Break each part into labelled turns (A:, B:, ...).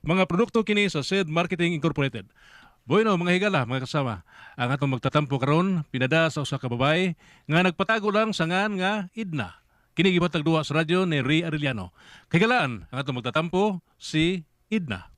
A: Mga produkto kini sa SED Marketing Incorporated. Bueno, mga higala, mga kasama, ang atong magtatampo karon pinada sa usa ka babae nga nagpatago lang sa ngan nga Idna. Kini gibatag duwa sa radyo ni Ray Arellano. Higalaan ang atong magtatampo si Idna.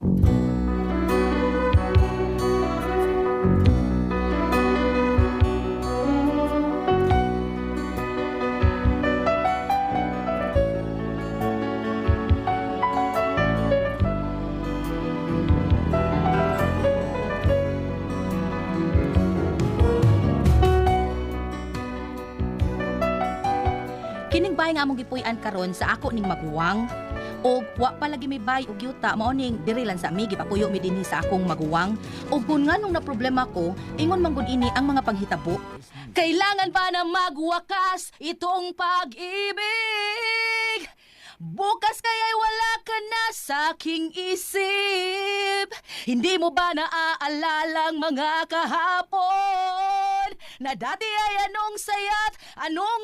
B: Kining bay nga among gipuy-an karon sa ako ning maguwang og wa pa lagi may bay og yuta mao ning diri lang sa mi gipapuyo mi dinhi sa akong maguwang og kun nganong na problema ko ingon man gud ini ang mga panghitabo. Kailangan pa na magwakas itong pag-ibig. Bukas kaya'y wala ka na sa aking isip. Hindi mo ba naaalala ang mga kahapon na dati ay anong saya't anong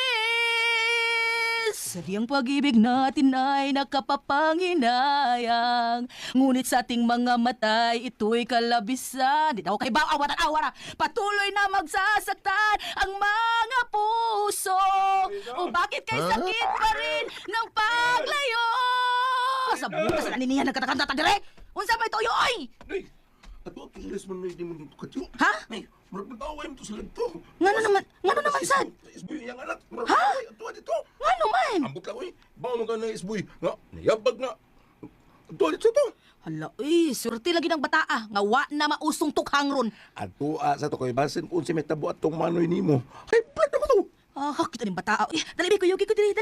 B: tamis? Sadyang pag-ibig natin ay nakapapanginayang, ngunit sa ating mga matay ito'y kalabisan. Di daw kay baw awat at awara, patuloy na magsasaktan ang mga puso. O bakit kay sakit pa rin ng paglayo? Sa butas na niniya nagkatakanta ta dire. Unsa may toyo oy?
C: Nay, ato ang Ingles man na hindi mo dito katyo.
B: Ha?
C: Nay, marag mataway mo to sa lagto.
B: Ngano naman sad?
C: Isboy yang anak, marag
B: Ha?
C: mataway ato dito.
B: Ngano man?
C: Ambot lang, oy. Bawa mo ka na isboy. Nga, nayabag nga. Ato dito to.
B: Hala, surti lagi ng bataa nga wa na mausong tukhang ron.
C: Ato sa to ko'y basin kung si Metabo at tong manoy ni mo. Ay, pwede naman to.
B: Ah, kita ning bataa. Dali ko yugi ko dali.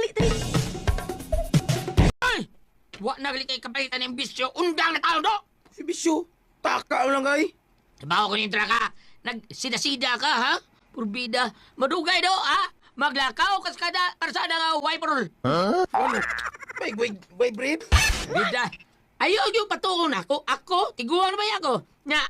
D: Wa na gali kay kapalitan ng bisyo, undang na tao do!
C: Si Bisyo, taka lang kay.
D: Trabaho ko nintra ka, nagsida-sida ka, ha? Purbida, madugay do, ha? Maglakaw kas kada parsada nga wiperol.
C: Ano? May breed?
D: Bida, ayaw yung patungon ako, tiguan ba ako? Nga,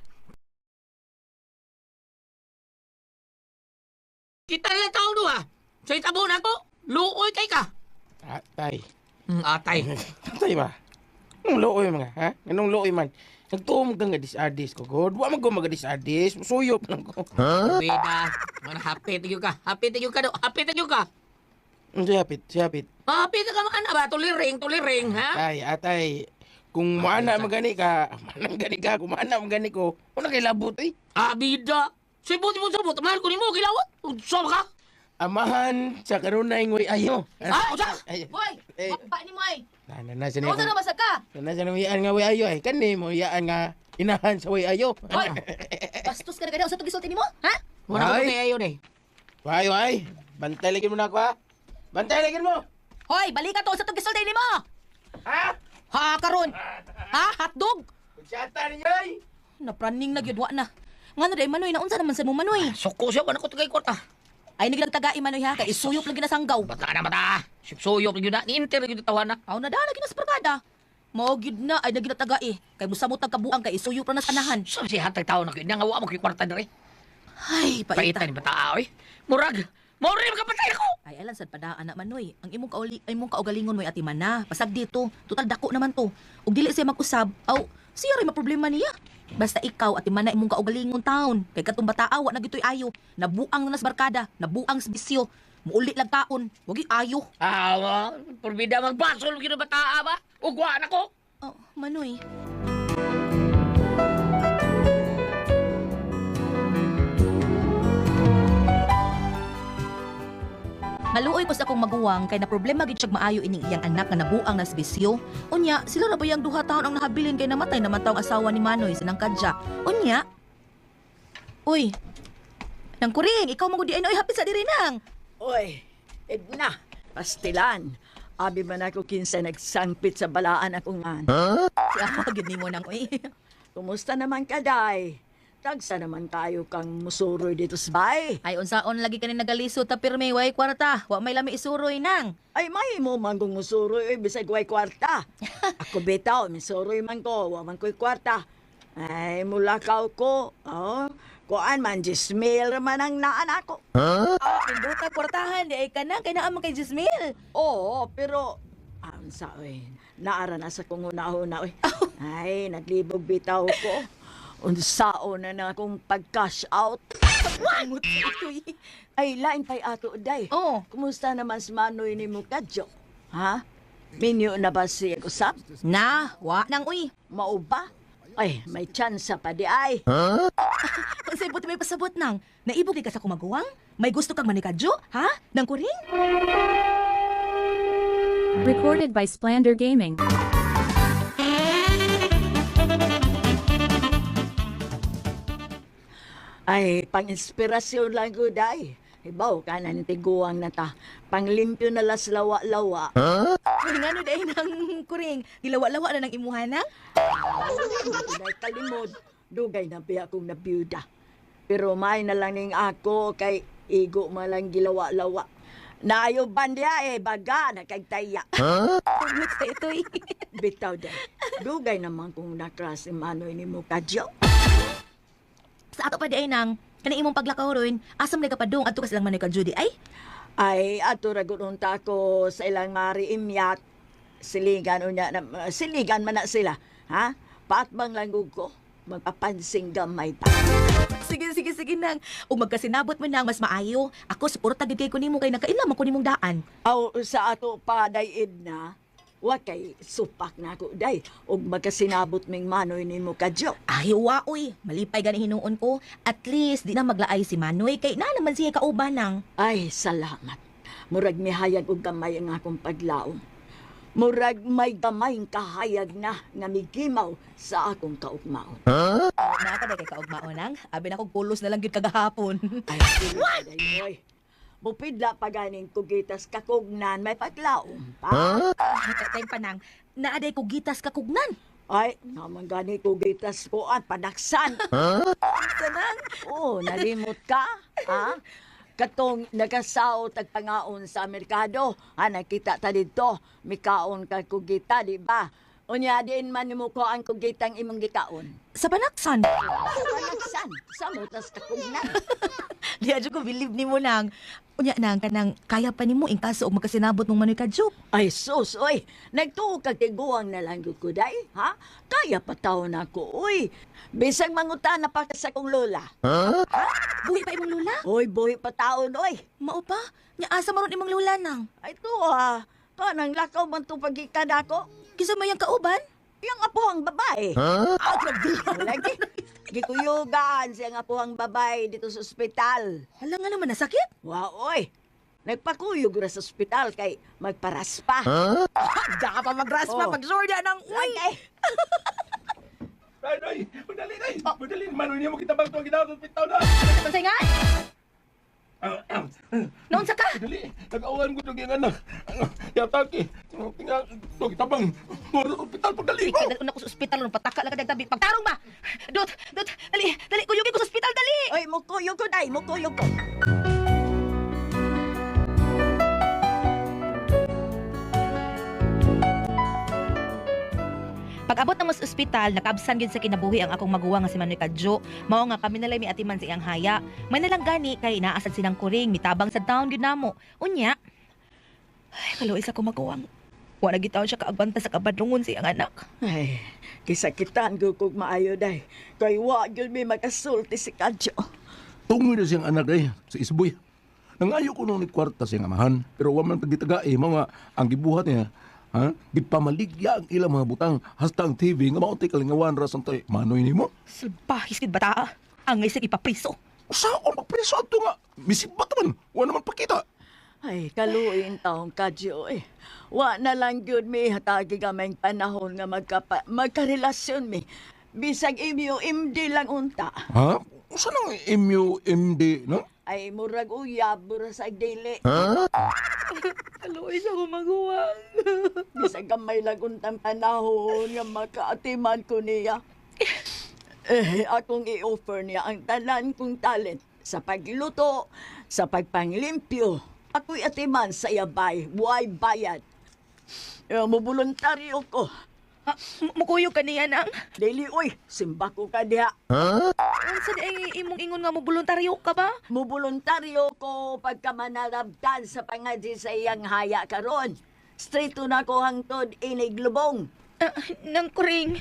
D: kita lang tao do, ha? So itabo na ako, luoy kay ka.
E: Tay.
D: Atay.
E: Tay ba? Anong looy mga, ha? Anong looy man? Nagtuom ka nga disadis ko, God. Wa man ko magadis-adis. Suyop lang ko.
D: Bida, man happy tigyo ka do, happy tigyo ka.
E: Si Hapit.
D: Happy ka man ba, tuliring, ha?
E: Tay, atay. Kung maana magani ka, kung maana magani ko, una kay labot eh.
D: Bida, sibot, mahal ko ni mo, kilawat. Saan ka?
E: Amahan sa kanunay ngoy ayo.
D: Usa!
E: Ay,
B: Boy,
E: eh.
B: pa ni mo ay.
E: na siya
B: Unsa na masag ka?
E: na siya nga way ayo ay. Kani mo iyaan nga inahan sa way ayo.
B: Boy, bastos ka na kada usa to gisulti nimo, ha?
D: Wala ko
E: Ay.
D: kay ayo eh.
E: Way. Bantay lagi mo na ako ha. Bantay lagi mo.
B: Hoy, balik ka to usa to gisulti nimo.
E: Ha?
B: Ha karon. Ha, hotdog.
E: Kutsata ninyo ay.
B: Napraning na gyud wa na. Ngano day manoy na unsa naman sa mo manoy?
D: Suko siya, wala ko tagay kwarta.
B: Ay nagtagai manoy ha, kay isuyop lagi na sanggaw.
D: Bata na mata. Sipsuyok yun na, ni-inter yun tawa na.
B: Aw na dala ginas barkada. Mao gyud na ay nagitagai kay musamot tagkabuang kay isuyop ra na sanahan.
D: Saan si hatay tao na kayo, nangawa mo kay kwarta na rin.
B: Ay,
D: Paita
B: paita.
D: ni bata oy. Murag, maurim ka patay ako.
B: Ay alan sad padaan na manoy. Ang imong kaugalingon mo'y ati man na. Pasag dito, total dako naman to. Ug dili siya mag-usab, aw siya rin maproblema niya. Basta ikaw at imana imong kaugalingon taon. Kay katong bataa wa na gitoy ayo. Nabuang na nas barkada, nabuang sa bisyo. Muuli lang taon. Wagi ayo.
D: Purbida magbasol yun na bata ba? Ugwa na ko.
B: Oh, manoy. Maluoy ko sa akong maguwang kay na problema gid siyag maayo ining iyang anak nga nabuang nas bisyo. Unya, sila ra ba yang duha taon ang nahabilin kay namatay naman taong asawa ni Manoy sinang kadya. Unya. Uy. Nang kuring, ikaw mo di ay noy hapit sa diri nang.
F: Oy, Edna, pastilan. Abi man ako kinsa nagsangpit sa balaan akong man.
B: Siya gid nimo nang uy.
F: Kumusta naman ka, Day? Tagsa naman tayo kang musuroy dito sa bay.
B: Ay unsaon lagi kani nagalisod ta pirmi way kwarta. Wa may lami isuroy nang.
F: Ay, may mo manggong musuroy, bisag way kwarta. Ako bitaw, misuroy man ko, wa man ko'y kwarta. Ay, mulakaw ko. Oh, kuan man, Jismil man ang naan ako.
B: Pinduta kwartahan di ay kana kay naa man kay Jismil.
F: Oo, pero, sa naara na sa kong una-una, oy. Ay, naglibog bitaw ko. Unsaon na akong pag-cash out.
B: Amot ito'y.
F: Ay, lain pa'y ato, day.
B: Oh.
F: Kumusta naman si Manoy ni mo kadyo? Ha? Minyo na ba siya usap?
B: Na, wa nang uy.
F: Mao ba? Ay, may tsansa pa di ay.
B: Kung sa'yo buti may pasabot nang, naibog ka sa kumaguwang? May gusto kang manikadyo? Ha? Nang kuring?
G: Recorded by Splander Gaming.
F: Ay, pang-inspirasyon lang ko, day. Ibaw ka na ni tiguang na ta. Panglimpyo na las lawa-lawa.
B: Uy, nga no dahil nang kuring. Dilawa-lawa na ng imuhana?
F: Dahil kalimod, dugay na biya akong nabiyuda. Pero may na lang ning ako kay igo malang gilawa-lawa. Naayo bandiya baga na kay taya.
B: Amot sa ito'y.
F: Bitaw day. Dugay naman kung nakras si Manoy ni mo kadyo.
B: Sa ato pa di ay nang, kanang imong paglakaw ron, asam na kapadong ato ka silang manikadyo di ay?
F: Ay, ato ragununta ko sa ilang mari imyat. Siligan unya na, siligan man na sila. Ha? Paatbang langgog ko. Magpapansing gamay ta.
B: Sige nang. Ug magkasinabot mo nang mas maayo. Ako suporta gid kay ko nimo kay nakailam ko nimong daan.
F: Aw, sa ato pa dayid na, wa kay supak na ako day. Ug magkasinabot ming Manoy ni mo kadyo.
B: Ay, wa uy. Malipay gani hinuon ko. At least di na maglaay si Manoy kay na naman siya kauban nang.
F: Ay, salamat. Murag mihayag og gamay ang akong paglaom. Murag may gamayng kahayag na nga migimaw sa akong kaugmaon.
B: Na ka kay kaugmao nang. Abi na kog pulos na lang gyud kagahapon.
F: Ay, what? Bupidla pa ganing kugitas kakugnan may paglaom pa.
B: Tay pa nang. Naaday ko gitas kakugnan.
F: Ay, naman gani kugitas ko at padaksan.
B: Sanang.
F: Oo, nalimot ka? Ha? Katong nagasaw tagpangaon sa merkado. Ha, nakita ta dito. Mikaon ka kugita, di ba? Unya din man mo ko ang kugitang imong gikaon.
B: Sa panaksan.
F: Sa panaksan, sa mutas kakugnan.
B: Di adyo ko believe nimo nang. Unya nang kanang kaya pa nimo in kaso og magkasinabot mong Manoy kadyo.
F: Ay, sus, oy. Nagtuo kag tiguang na lang ko, day, ha? Kaya pa taon ako, oy. Bisag mangutana pa ka sa kong lola.
B: Buhi pa imong lula.
F: Oy, buhi pa taon, oy.
B: Mao pa? Nya asa maron imong lula nang.
F: Ay, to, ha. Kanang lakaw man to pagikad ako.
B: Kisa may kauban?
F: Yung apuhang babae.
B: Ah, grabe.
F: Lagi. Gikuyugan siyang apuhang babae dito sa ospital.
B: Hala nga naman nasakit.
F: Wow, oy. Nagpakuyog ra sa ospital kay magparaspa.
B: Da pa magraspa
F: Oh.
B: pagsorda ng uy.
F: Ay,
C: Day! Madali, day! Madali, Manoy niya mo kita bang tuwang ginawang sa pitaw na!
B: Unsay nga? Noon sa ka?
C: Madali, nag-awan ko itong yung anak. Yataki, tingnan, ito kita bang tuwang sa pitaw, pagdali!
B: Ikaw dali ko sa ospital ron pataka lang ka dagdabi. Pagtarong ba? Dot, dali kuyugin ko sa ospital dali.
F: oy, mukuyog ko, day. Mukuyog ko.
B: Pag-abot na mo sa ospital, nakaabsan gyud sa kinabuhi ang akong maguwa nga si Manoy kadyo. Mao nga kami nalay miatiman sa iyang haya. May nalang gani kay naasad silang kuring mitabang sa town gyud namo. Unya. Ay, kaluoy sa kumaguwang. Wa na gitaw siya kaagbanta sa kabadlungon sa iyang anak.
F: Ay, kisakitan ko kung maayo, day. Kay wa yun may makasulti si Kadyo.
C: Tungoy na siyang anak day, sa isboy. Nangayo ko nung ni kwarta siyang amahan, pero waman pagditaga mga ang gibuhat niya. Ha? Gipamaligya ang ilang mga butang hasta ang TV nga maunti kalingawan ra santay Manoy nimo.
B: Salbahis gid bata. Ang isig ipapriso.
C: Saan magpreso ato nga? Misibat man, wa naman pakita.
F: Ay, kaluin taong Kadyo eh. Wa na lang yun may hatagi kaming panahon nga magkarelasyon mi. Bisag imyo imdi lang unta.
C: Ha? Saan ang MUMD, no?
F: Ay, murag uyab, murag dili.
B: Kaluoy sa kumaguwang.
F: Bisag gamay lang untang panahon nga makaatiman ko niya. Akong i-offer niya ang tanan kong talent sa pagluto, sa pagpanglimpyo. Ako'y atiman sa iyabay, buhay bayad. Mubuluntaryo ko.
B: Ha, mukuyog ka niya nang.
F: Dili, uy, simba ko ka diha.
B: Unsa di imong ingon nga mo voluntaryo ka ba?
F: Mubuluntaryo ko pagka manarabdan sa pangadji sa iyang haya karon. Straight to na ko hangtod inig lubong.
B: Nang kuring.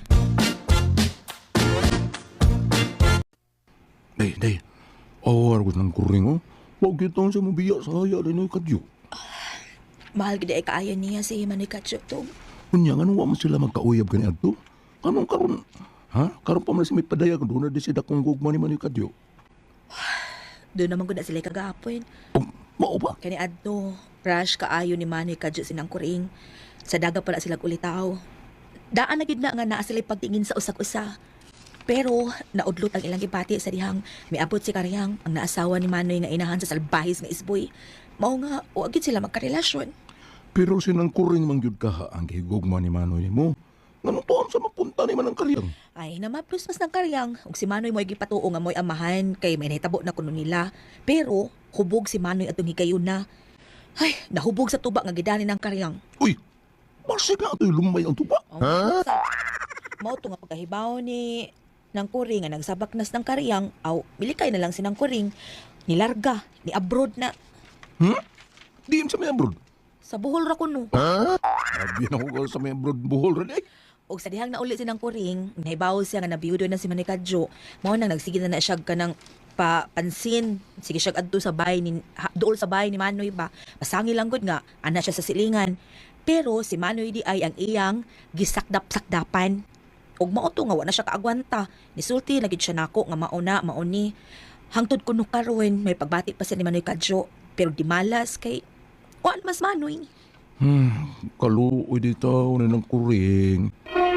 C: Day. Awar ko ng kuring, oh. Huwag kitang siya mabiya sa haya rin yung kadyo.
B: Mahal gid ay kaayo niya si Manny Kadyo to.
C: Kunya, ano wa man sila magkauyab gani adto? Anong karon? Ha? Karon pa man si may padaya kung doon na di sila kung gugma ni kadyo.
B: Doon naman ko na sila kagapon.
C: Oh, mao ba?
B: Kani adto, rush kaayo ni Manny Kadyo sinang kuring. Sa daga pala sila ulitaw. Daan na gid na nga naa sila pagtingin sa usak-usa. Pero naudlot ang ilang gipati sa dihang miabot si Karyang ang naasawa ni Manoy nga inahan sa salbahis nga isboy. Mao nga wa gid sila magkarelasyon.
C: Pero sinang kuring man gyud kaha ang gihigugma ni Manoy mo. Ngano to sa mapunta ni man ang karyang?
B: Ay, namaplos mas ng Karyang. Ug si Manoy mo'y gipatuo nga mo'y amahan kay may nahitabo na kuno nila. Pero hubog si Manoy atong higayon na. Ay, nahubog sa tuba nga gidani ng Karyang.
C: Uy! Masig na ito'y lumay ang tuba.
B: Ha? Mao to nga pagkahibaw ni ng kuring nga nagsabaknas ng Karyang, aw milikay na lang sinang kuring, nilarga, ni abroad na
C: Di sa may abroad.
B: sa Bohol ra kuno.
C: Sabi na ko sa may abroad buhol rin eh.
B: Og sa dihang nauli sinang kuring, nahibaw siya nga nabiyudo na si Manny Kadyo. Mao nang nagsige na siya kanang pansin. Sige siya adto sa bahay ni dool sa bahay ni Manoy ba. Pasangi lang gud nga ana siya sa silingan. Pero si Manoy di ay ang iyang gisakdap-sakdapan. Og mao to nga wa na siya kaagwanta. Nisulti lagi siya nako nga mauni. Hangtod kuno karon may pagbati pa siya ni Manoy Kadyo. Pero di malas kay waan mas Manoy.
C: Kaluoy dito na ng kuring.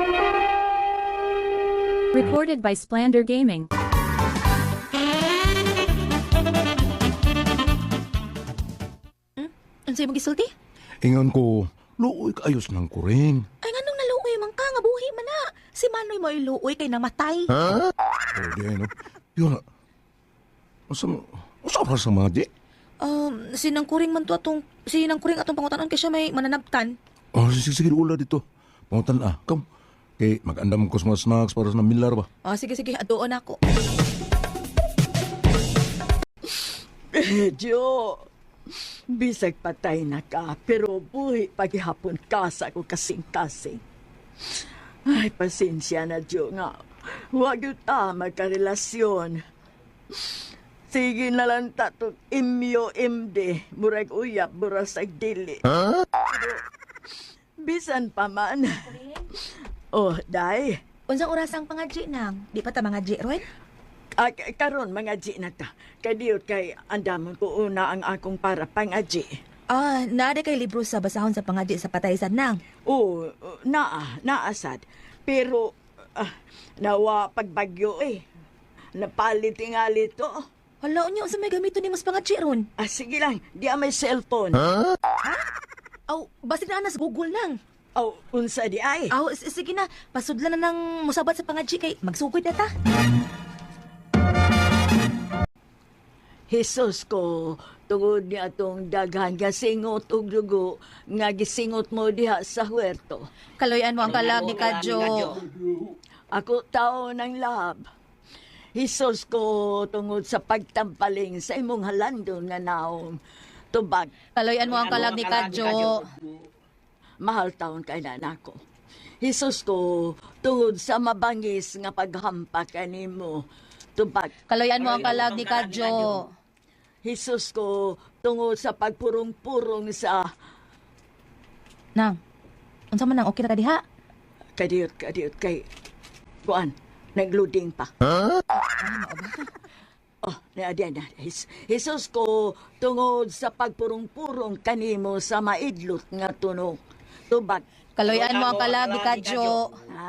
G: Recorded by Splander Gaming.
B: Unsay mo gisulti?
C: Ingon ko, luoy kaayos ng kuring.
B: Ay nganong naluoy man ka nga buhi man na. Si Manoy mo iluoy kay namatay.
C: Oh, di ay no. Yun na. Masama sa mga di.
B: Sinang kuring man to atong pangutanon kay siya may mananabtan.
C: Oh, sige, ula dito. Pangutan Come. Kay mag-andam ko sa mga snacks para sa namilar ba?
B: Sige, atuon ako.
F: Medyo, bisag patay na ka, pero buhi paghihapon ka sa ako kasing-kasing. Ay, pasensya na, Diyo nga. Huwag yun magkarelasyon. Sige na lang tatong imyo imde, murag uyap, burasag dili. Pero, bisan pa man. Oh, day.
B: Unsang oras ang pangadji nang? Di pa ta mangadji, Roy?
F: Karon mga G na ta. Kadiyot kay andamon ko una ang akong para pangaji.
B: Naada kay libro sa basahon sa pangadji sa pataysan nang.
F: Oo, naasad. Pero, nawa pagbagyo eh. Napalit tingali to.
B: Hala, unya, sa may gamito ni mas pangadji ron?
F: Sige lang, di may cellphone.
B: Aw, basig na anas Google nang.
F: Aw, unsa di ay.
B: Aw, sige na, pasudlan na ng musabat sa pangadji kay magsugod na ta.
F: Jesus ko, tungod ni atong daghan nga singot ug dugo nga gisingot mo diha sa huerto.
B: Kaloyan mo ang kalag ni Kadyo.
F: Ako tao ng lab. Jesus ko, tungod sa pagtampaling sa imong halandon nga naong tubag.
B: Kaloyan mo ang kalag ni Kadyo.
F: Mahal taon kay nanako. Jesus ko, tungod sa mabangis nga paghampa kanimo tubag.
B: Kaloyan mo ang kalag ni Kadyo.
F: Jesus ko, tungod sa pagpurong-purong sa
B: Nang, unsa man nang okay na ka diha?
F: kadiyot kay kuan, nagloading pa. Oh, na. Jesus ko, tungod sa pagpurong-purong kanimo sa maidlot nga tunog. Tubag.
B: Kaloyan mo ang kalag ni Kadyo.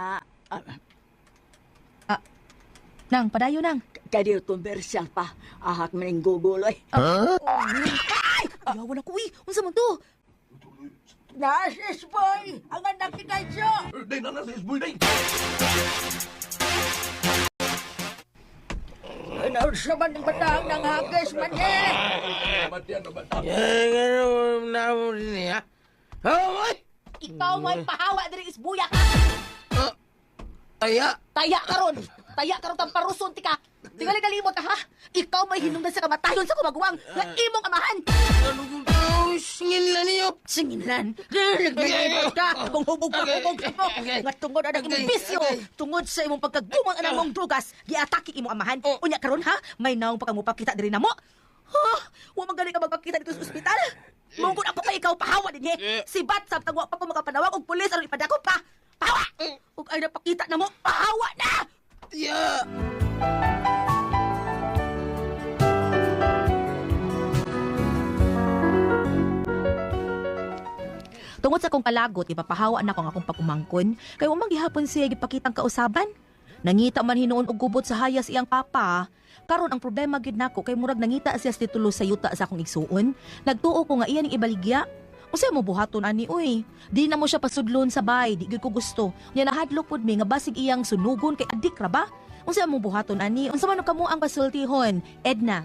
B: Nang, padayo nang.
F: Kadiyot komersyal pa. Ahak maning guguloy.
B: Ay! Ayawan ako eh. Unsa man to?
F: Nasis boy! Ang anak ni Kadyo!
C: Day na sa isboy, day!
F: Ano sa man ng batang ng hagis man eh?
E: Ano na mo din ha? Ay!
B: Ikaw mo'y pahawa diri isbuya ka.
E: Aya!
B: Taya karon tang paruson ti ka. Tingali kalimot ka ha. Ikaw may hinungdan sa kamatayon sa kumagwang nga imong amahan.
E: Ano kong tawis? Singilan niyo.
B: Singilan. Naglilibot ka. Kung hubog ka, hubog ka mo. Nga tungod na imong bisyo. Tungod sa imong pagkagumang anang mong drugas. Giatake imong amahan. Unya karon ha? May naong pa kang mupakita diri na mo. Ha? Wa man gani ka magpakita dito sa ospital. Mungkod ako pa ikaw pahawa din Si Bat sa tagwa pa ko makapanawag og pulis aron ipadako pa. Pahawa. Ug ay napakita na mo. Pahawa na.
E: Yeah.
B: Tungod sa akong palagot, ipapahawa na ko ang akong pagumangkon, kay umang gihapon siya gipakitang kausaban. Nangita man hinuon og gubot sa hayas iyang papa. Karon ang problema gid nako kay murag nangita siya sa titulo sa yuta sa akong igsuon. Nagtuo ko nga iya ning ibaligya. Unsa mo buhaton ani oy? Di na mo siya pasudlon sa bay, di gid ko gusto. Nya nahadlok pud mi nga basig iyang sunugon kay adik ra ba? Unsa mo buhaton ani? Unsa man kamo ang pasultihon? Edna.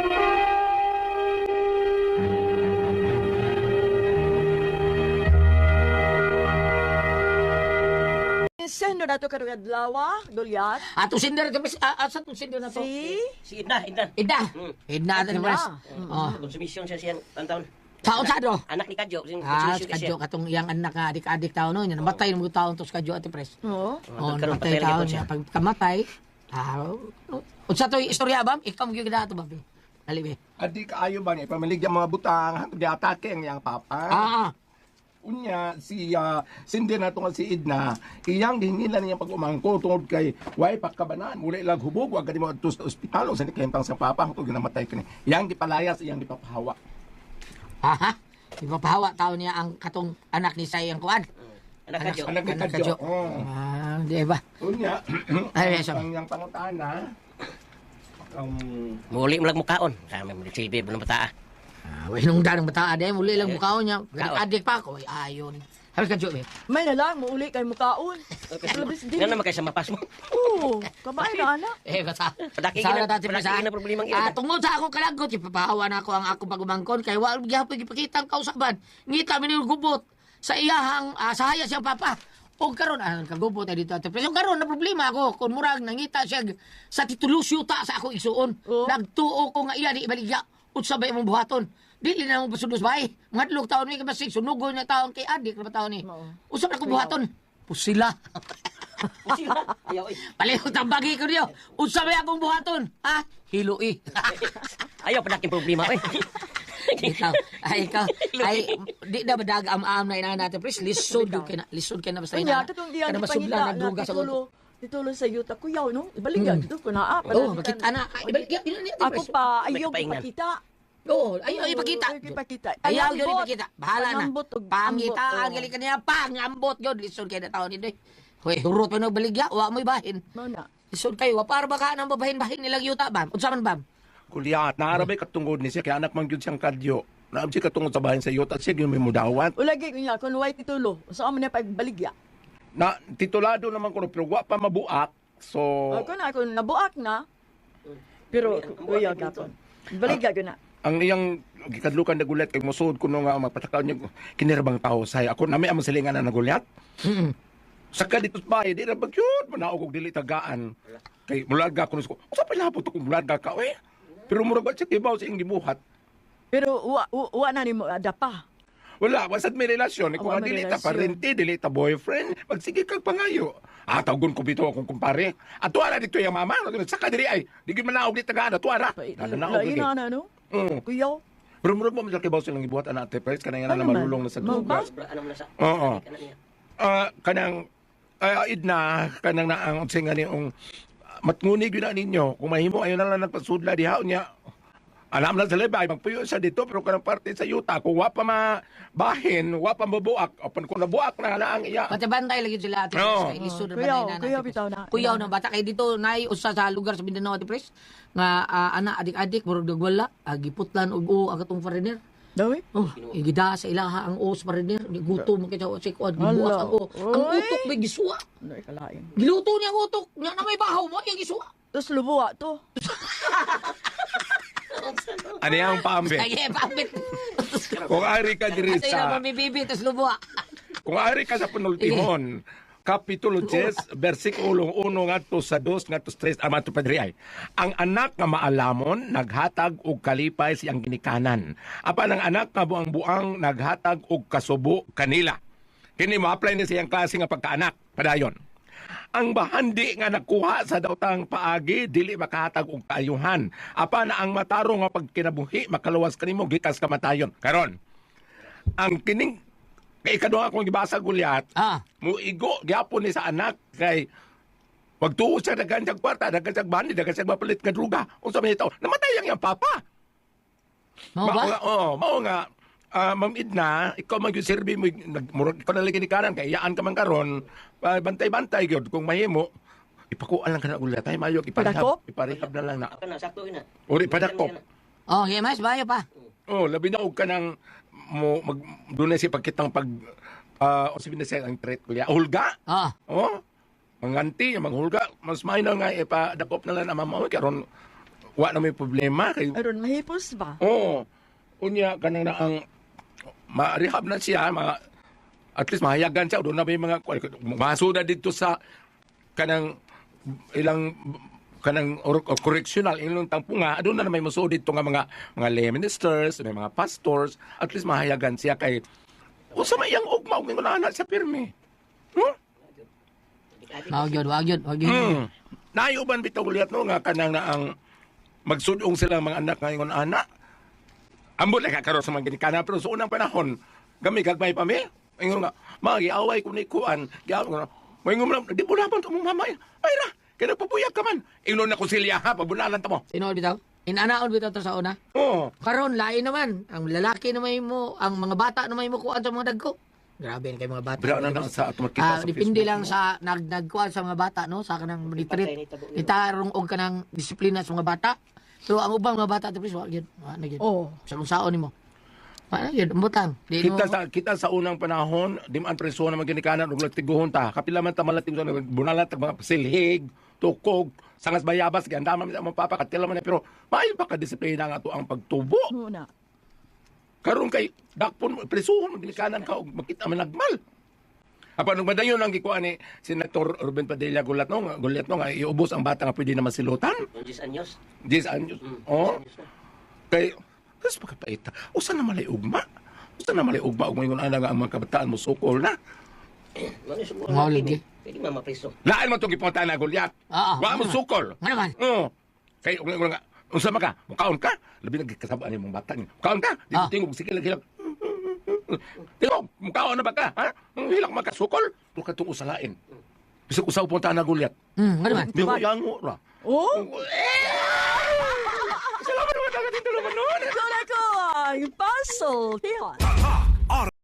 F: Sendo na to karong adlaw, Dulyat.
D: Ato sinder to pres. Asa to sinder na to?
F: Si
H: Idna.
D: Ida. Ida to pres. Oh.
H: Konsumisyon siya siyang taon.
D: Taon sa do.
H: Anak ni Kadyo.
D: Kadyo katong iyang anak nga adik-adik taon no. Namatay mo taon to sa Kadyo ati pres.
F: Oo.
D: Oh,
H: Karon
D: namatay
H: patay
D: taon
H: siya.
D: niya. Pag kamatay, unsa to istorya bam? Ikaw mo gyud dato ba? Dali be.
C: Adi kaayo ba niya pamaligya mga butang hangtod atake ang iyang papa. Unya si sindi na to nga si Idna iyang gihingilan niya pag-umangko tungod kay way pagkabanan muli lag hubog wa gani mo adto sa ospital sa nikentang sa papa hangtod ginamatay kini iyang gipalayas iyang gipapahawa.
D: Aha. Ipapahawa taon niya ang katong anak ni Sayang Kuan.
H: Anak Kadyo.
C: Anak ni
D: Anak
C: Kadyo.
D: Kadyo. Di ba?
C: Unya
D: Ay, yes,
C: ang iyang pangutana
H: Muli mo lang mukaon. Kami mo silbi mo ng bataa.
D: Way nung danang bata ade muli lang mukhaon niya.
H: Kaon.
D: Adik pa ko. Ay, ayon. Halos Kadyo be.
F: May na lang, mauli kay mukaon. Labis din.
H: Nga naman kayo sa mapas mo.
F: Oo, kabay na anak.
D: Basta.
H: Padaki
D: Sa
H: gina-
D: dati
H: padaki
D: sa.
H: gina problemang ina.
D: Tungod sa akong kalagot, ipapahawa na ako ang akong pagumangkon kay wala gyapon gipakita ang kausaban. Ngita mi gubot sa iyahang sa hayas siyang papa. O karon kagubot na dito ate. Pero karon na problema ako kun murag nangita siya sa titulos yuta sa akong igsuon. Nagtuo ko nga iya di ibaligya. Unsa ba imong buhaton? Dili na mo pasudos bay. Ngadlok taon mi kabasig sunugon na taon kay adik na taon ni. Usa na ko buhaton. Pusila.
H: Sila. Ayaw eh.
D: Palihog tambagi ko niyo. Unsa ba akong buhaton? Ha? Hiloi.
H: Ayaw padaking problema eh.
D: ikaw, di na badag am na ina natin, please. Lisod ka na basta ina.
F: Kanya, katong diyan
D: Kada
F: ni
D: masubla
F: pangita
D: na
F: na
D: duga sa ulo.
F: titulo sa yuta kuyaw, no? Ibaligyan dito ko na.
D: Oo, bakit ana? Ibalik yan,
F: Ako pa, ayaw
H: Paingnan.
F: ipakita.
D: Oo, ayaw ipakita.
F: Ayaw ipakita.
D: Ayaw
F: Ang
D: yun
F: ambot.
D: ipakita. Bahala na.
F: Pangambot og
D: Pangita,
F: ambot,
D: ang galing ka niya. Pangambot yun. Lisod kayo na taon nito. Hoy, hurot pa na baligya. Wa mo ibahin.
F: Mo na.
D: Lisod kayo. Wa para ba ka nang babahin-bahin nilang yuta, bam? Unsa man, bam?
C: Kulyat naarabay katungod ni siya kay anak man gyud siyang Kadyo. Naab siya katungod sa bahin sa iyo at siya gyud may mudawat.
F: Ulagi ko niya, kung way titulo, saan mo niya pagbaligya?
C: Na titulado naman ko pero wa pa mabuak. So
F: Ako nabuak na. Pero, kuya gapon. Baligya ko na.
C: ang iyang gikadlukan na gulat kay musud kuno nga magpatakaw niya kinirabang tao say ako nami ang silingan na nagulat. Saka dito sa bahay di ra bagyud manaog og dili tagaan. Kay mulaga ko nusko. Usa pa labot ko mulaga ka we. Pero murag ba siya kibaw sa iyang gibuhat.
F: Pero, wa na ni mo adapa.
C: Wala, wasad may relasyon. Kung
F: Wala
C: nga
F: may
C: dili ta
F: relasyon.
C: parente, dili ta boyfriend, magsige kag pangayo. Tawgon ko bito akong kumpare. At tuwara dito yung mama. Saka diri ay, di gyud manaog di tagaan. Tuwara. Nanaog
F: Lain
C: di.
F: na no? Kuyaw.
C: Pero murag mo masal kibaw silang gibuhat anak te Pres kanang nga na
F: Ano man?
C: marulong na sa
F: Mo ba?
C: dugas.
H: Ano mo na sa...
C: Oo.
H: Kanan niya.
C: Kanang idna kanang naang singa ni matngunig yun na ninyo. Kung mahimo ayo na lang nagpasudla diha niya. Alam na sa lebay, magpuyo siya dito, pero kanang parte sa yuta, kung wa pa mabahin, wa pa mabuak, o kung nabuak na ang iya.
D: Pati bantay lagi sila ate.
C: Oo.
D: Kay lisod
F: Kuyaw,
D: na
F: kuyaw bitaw na.
D: Kuyaw na bata kay dito nay usa sa lugar sa Mindanao ate pres nga ana adik-adik murag dagwala giputlan og o ang atong foreigner.
F: Dawi?
D: Oh, igida sa ilaha ang o sa foreigner, gutom kita sa kuan gibuak
F: Hala.
D: ang o. Ang
F: Oy.
D: utok may gisuwa.
F: Ano ikalain?
D: Giluto niya ang utok. Nya na may bahaw mo yung gisuwa.
F: Tapos lubuwa to.
C: Ano yung pambe?
D: Ay, pambit.
C: Kung ari ka diri
D: Asa ina
C: sa,
D: mo may bibi tas lubuwa.
C: kung ari ka sa penultimon, Kapitulo 10, versikulo 1 ngadto sa 2 ngadto sa 3 amato padri ay. Ang anak nga maalamon naghatag og kalipay siyang ginikanan. Apan ang anak nga buang-buang naghatag og kasubo kanila. Kini mo-apply ni siyang klase nga pagkaanak padayon. Ang bahandi nga nakuha sa daotang paagi dili makahatag og kaayuhan. Apan ang mataro nga pagkinabuhi makaluwas kanimo gikas kamatayon. Karon, ang kining kay ikaduha akong gibasa gulyat, muigo gyapon ni sa anak kay wag tuo siya daghan siyang kwarta, daghan siyang bandi, daghan siyang mapalit nga druga. Unsa man ito? Namatay ang iyang papa.
D: Mao ba?
C: Mao nga Ma'am Edna, ikaw mag-serve mo, ikaw na lagi ni kanan, kaya iyaan ka man karon, bantay-bantay gyud kung mahimo, ipakuan lang ka na ulit, tayo mayok,
F: Padakop?
C: iparehab na lang na.
H: Ako na, sakto ina.
C: Uri, padakop.
D: Okay, mas bayo pa.
C: Labi na og ka ng, doon na siya pagkitang o sabihin na siya ang threat ko niya, hulga? Manganti, manghulga, mas mahina nga, ipadakop na lang na mamaw, karon, wa na may problema.
F: Aron mahipos ba?
C: Unya, kanang na ang, ma-rehab na siya, at least mahayagan siya, doon na may mga, maso na dito sa, kanang, ilang, kanang correctional, ilang tampunga, doon na may maso dito nga mga lay ministers, may mga pastors, at least mahayagan siya kay, o sa mayang ugma, ug nga anak siya pirmi.
D: Wag yun.
C: Nayuban bitaw ulit no, nga kanang na ang, magsudong sila mga anak ngayon anak, ambot na kakaroon sa mga ginikana, pero sa unang panahon, kami kagmay pa mi. Ngayon nga, magiaway ko ni Kuan, ngayon mo di mo laban ito mong mamay. Ay na, kaya nagpupuyag ka man. Ingnon na konsilya ha, pabunalan ta mo.
D: Sino bitaw? Inanaon bitaw to sa una? Karon lain naman. Ang lalaki naman mo, ang mga bata naman mo kuan sa mga dagko. Grabe kayo mga bata.
C: Bira na lang sa ato makita sa
D: depende
C: Facebook.
D: lang sa nagkuan sa mga bata, no? Sa kanang monitorit. Itarong og kanang disiplina sa mga bata. Pero ang ubang mga bata, please, wag yun. Ano yun? Sa kung saon ni mo. Ano yun? Umbutan.
C: Kita sa unang panahon, di man preso na magginikanan, ug tiguhon ta. Kapila man ta malating sa bunalan ta mga silhig, tukog, sangas bayabas, ganda man sa mga papa, katila man pero maayo pa ka disiplina nga to ang pagtubo.
F: Muna.
C: Karon kay dakpon presuhon magginikanan ka og makita man nagmal. Apan nung madayon ang gikuan ni Senator Ruben Padilla gulat no nga iubos ang bata nga pwede na masilutan.
H: 10 anyos.
C: 10 anyos. Kay kas pagkapaita. Usa na malay ugma. Usa na malay ugma ug moingon ana nga ang mga kabataan mo sukol na.
H: Mano siguro.
D: Mauligi.
H: Pwede mamapriso.
C: Laan mo itong ipunta na Goliath. Wa mo sukol.
D: Ano man?
C: Kay nga unsa man ka? Mukaon ka? Labi nagkasabaan ni mong bata ni. Mukaon ka? Di tingog sige lang. Tingog, mukaon na ba ka? Ha? Hilak makasukol. Pero ka itong usalain. Bisag usaw punta na Goliath.
D: Ano man?
C: Di mo yango ra.
F: Salamat naman, taga-titulo man nun. Ito na ko, yung puzzle. Tiyan.